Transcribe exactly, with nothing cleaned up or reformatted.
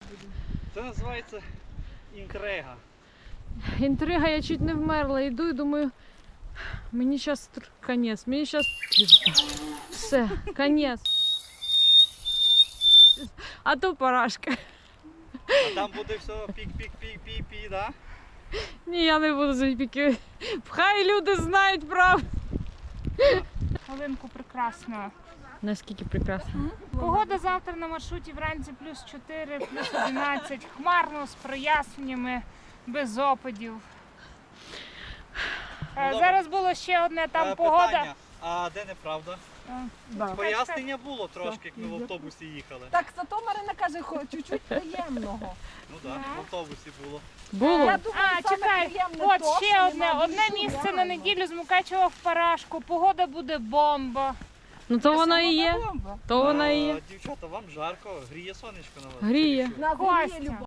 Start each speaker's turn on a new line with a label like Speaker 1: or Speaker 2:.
Speaker 1: Це називається інтрига.
Speaker 2: Інтрига, я чуть не вмерла. Йду і думаю, мені зараз конець, мені зараз все, конець. А то парашка.
Speaker 1: А там буде все пік-пік-пік-пік-пік, да?
Speaker 2: Ні, я не буду запіки. Хай люди знають правду.
Speaker 3: Хвилинку прекрасно.
Speaker 2: Наскільки прекрасно.
Speaker 3: Погода завтра на маршруті вранці плюс чотири, плюс одинадцять. Хмарно, з проясненнями, без опадів. Е,
Speaker 1: добре.
Speaker 3: Зараз було ще одне там
Speaker 1: Е,
Speaker 3: погода.
Speaker 1: Питання, а де неправда?
Speaker 3: Е,
Speaker 1: Пояснення було трошки, як ми в автобусі їхали.
Speaker 4: Так, зато Марина каже, хо- чуть-чуть приємного.
Speaker 1: Ну так,
Speaker 3: Ага.
Speaker 1: в автобусі було.
Speaker 2: Було?
Speaker 4: Я думаю,
Speaker 3: А,
Speaker 4: саме
Speaker 3: чекай,
Speaker 4: приємне
Speaker 3: от
Speaker 4: то,
Speaker 3: ще
Speaker 4: що
Speaker 3: одне,
Speaker 4: нема
Speaker 3: одне
Speaker 4: дощу,
Speaker 3: місце на
Speaker 4: реально.
Speaker 3: неділю з Мукачева в Парашку. Погода буде бомба.
Speaker 2: Ну то вона і є.
Speaker 4: Бомба.
Speaker 2: То вона і
Speaker 1: А,
Speaker 2: є.
Speaker 1: Дівчата, вам жарко, гріє сонечко на вас?
Speaker 2: Гріє.
Speaker 1: Чи що?
Speaker 4: На
Speaker 3: Костя.
Speaker 4: землі любов.